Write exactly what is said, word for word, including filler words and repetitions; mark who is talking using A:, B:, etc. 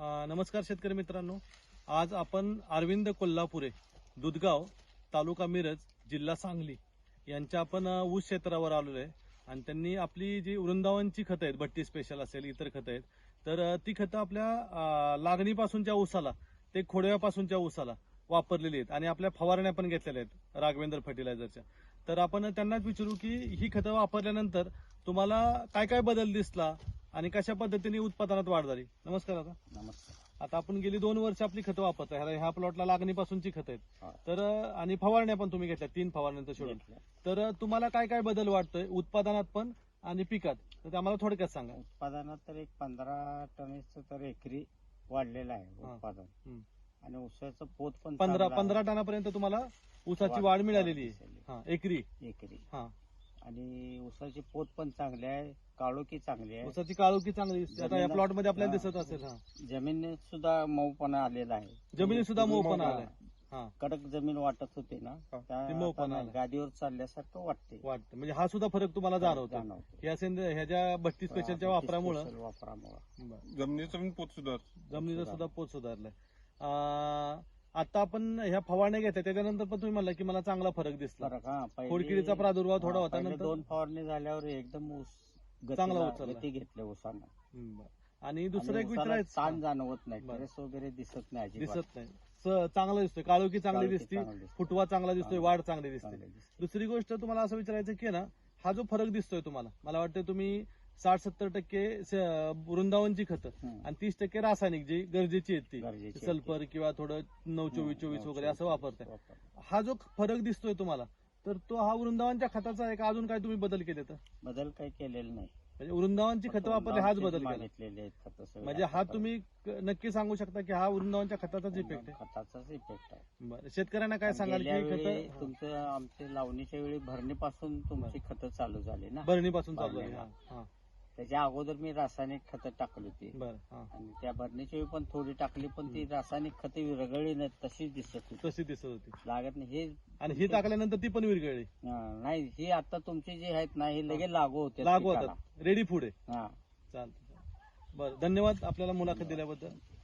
A: अ, नमस्कार शेतकरी मित्रांनो, आज आपण अरविंद कोल्हापुरे, दुधगाव, तालुका मिरज, जिल्हा सांगली यांच्या आपण अ, ऊस क्षेत्रावर आलेलो आहे आणि त्यांनी आपली जी वृंदावनची खतं आहेत, भट्टी स्पेशल असेल, इतर खतं आहेत, तर अ, ती खतं आपल्या अ, लागणीपासूनच्या ऊसाला ते खोडव्यापासूनच्या ऊसाला वापरलेली आहेत आणि आपल्या फवारण्या पण घेतलेल्या आहेत राघवेंद्र फर्टिलायझरच्या. तर आपण त्यांनाच विचारू की ही खतं वापरल्यानंतर तुम्हाला काय काय बदल दिसला आणि कशा पद्धतीने उत्पादनात वाढ झाली. नमस्कार दादा.
B: नमस्कार.
A: आता आपण गेली दोन वर्ष आपली खतं वापरताय, ह्या ह्या प्लॉटला लागणीपासूनची खतं
B: हा.
A: आहेत, तर अ, आणि फवारण्या पण तुम्ही घेतल्या, तीन फवारण्यांचं शेड्यूल.
B: घेतल्या.
A: तर अ, तुम्हाला काय काय बदल वाटतोय उत्पादनात पण आणि पिकात, तर ते आम्हाला थोडक्यात सांगा.
B: उत्पादनात तर एक पंधरा टनेचं तर एकरी वाढलेलं आहे
A: हा.
B: उत्पादन.
A: हम्म.
B: आणि ऊसाचं पोत पण
A: पंधरा
B: चांगलं आहे.
A: पंधरा टनापर्यंत तुम्हाला ऊसाची
B: वाढ-
A: वाढ मिळालेली
B: वाढ
A: आहे.
B: दिसली.
A: हा, एकरी.
B: एकरी.
A: हा,
B: आणि ऊसाची पोत पण चांगली आहे, काळोखी चांगली आहे.
A: ऊसाची काळोखी चांगली दिसते. आता या
B: जमिनीला-
A: प्लॉट मध्ये आपल्याला
B: हा.
A: दिसत असेल. हा,
B: जमिनीत सुद्धा मऊपणा आलेला आहे.
A: जमिनीत सुद्धा मऊपणा
B: हा.
A: आलाय. हा,
B: कडक जमीन वाटत होते ना,
A: हा.
B: त्या
A: ती मऊपणा
B: आता
A: आलाय.
B: गादीवर चालल्यासारखं वाटते.
A: वाटतं म्हणजे हा सुद्धा फरक तुम्हाला जाणवतो.
B: जाणवतो.
A: ह्या सेंद्रिय ह्याच्या भट्टी स्पेशलच्या वापरामुळं
B: स्पेशल वापरामुळं
A: बरं.
C: जमिनीचा पण पोत सुधार
A: जमिनीचा सुद्धा पोत सुधारलाय. अं, आता आपण ह्या फवारण्या घेतल्या त्याच्यानंतर पण तुम्ही म्हणला की मला चांगला फरक दिसला.
B: फरक हा पहिली-
A: खोडकिडीचा प्रादुर्भाव थोडा
B: हा,
A: होता,
B: पहिले
A: नंतर
B: दोन फवारणी झाल्यावर एकदम ऊस गतीला-
A: चांगला उचलला.
B: गती घेतल्या ऊसानं.
A: हम्म, बरं. आणि दुसरं
B: आणि
A: एक
B: ऊसाला
A: विचारायचं
B: ताण जाणवत नाही,
A: बरं.
B: ट्रेस वगैरे दिसत नाही अजिबात.
A: दिसत नाही, स- चांगला दिसतोय, काळोखी चांगली
B: काळोखी
A: दिसते,
B: चांगली दिसते.
A: फुटवा चांगला दिसतोय,
B: चांगली-
A: वाढ चांगली दिसते.
B: चांगली दिसते.
A: दुसरी गोष्ट तुम्हाला असं विचारायचं की ना, हा जो फरक दिसतोय तुम्हाला, मला वाटतं तुम्ही साठ सत्तर टक्के स- वृंदावनची खतं
B: हम्म.
A: आणि तीस टक्के रासायनिक जी गरजेची आहेत ती
B: गरजेची आहेत ती.
A: सल्फर किंवा थोडं नऊ चोवीस चोवीस
B: नऊ
A: वगैरे असं
B: चोवीस
A: वापरताय.
B: वापरतात.
A: हा जो फरक दिसतोय तुम्हाला, तर तो हा वृंदावनच्या खताचा आहे का अजून काय तुम्ही बदल केले? तर
B: बदल काही केलेला नाही.
A: म्हणजे वृंदावनची खतं वापरले हाच बदल केला.
B: मागितलेले आहेत खतं सगळे.
A: म्हणजे हा तुम्ही क- नक्की सांगू शकता की हा वृंदावनच्या खताचाच इफेक्ट आहे.
B: खताचाच इफेक्ट आहे.
A: बरं, शेतकऱ्यांना काय सांगाल
B: गेल्या
A: की
B: वेळी
A: खतं
B: तुमचं आमच्या लावणीच्या वेळी भरणीपासून तुमची खतं चालू झाली ना.
A: भरणीपासून चालू आहे.
B: भरणीला.
A: हा, हा.
B: त्याच्या अगोदर मी रासायनिक खतं टाकली होती.
A: बरं, हा.
B: आणि त्या भरणीच्या वेळी पण थोडी टाकली, पण ती रासायनिक खते विरघळली नाही, तशीच दिसत होती.
A: तशी दिसत होती
B: लागत नाही हे.
A: आणि ही टाकल्यानंतर ती पण विरघळली.
B: हा, नाही ही आता तुमची जी आहेत ना, ही लगेच लागू होते
A: लागू होतात, रेडी फूड आहे.
B: हा.
A: चालतं. बरं, धन्यवाद आपल्याला मुलाखत दिल्याबद्दल.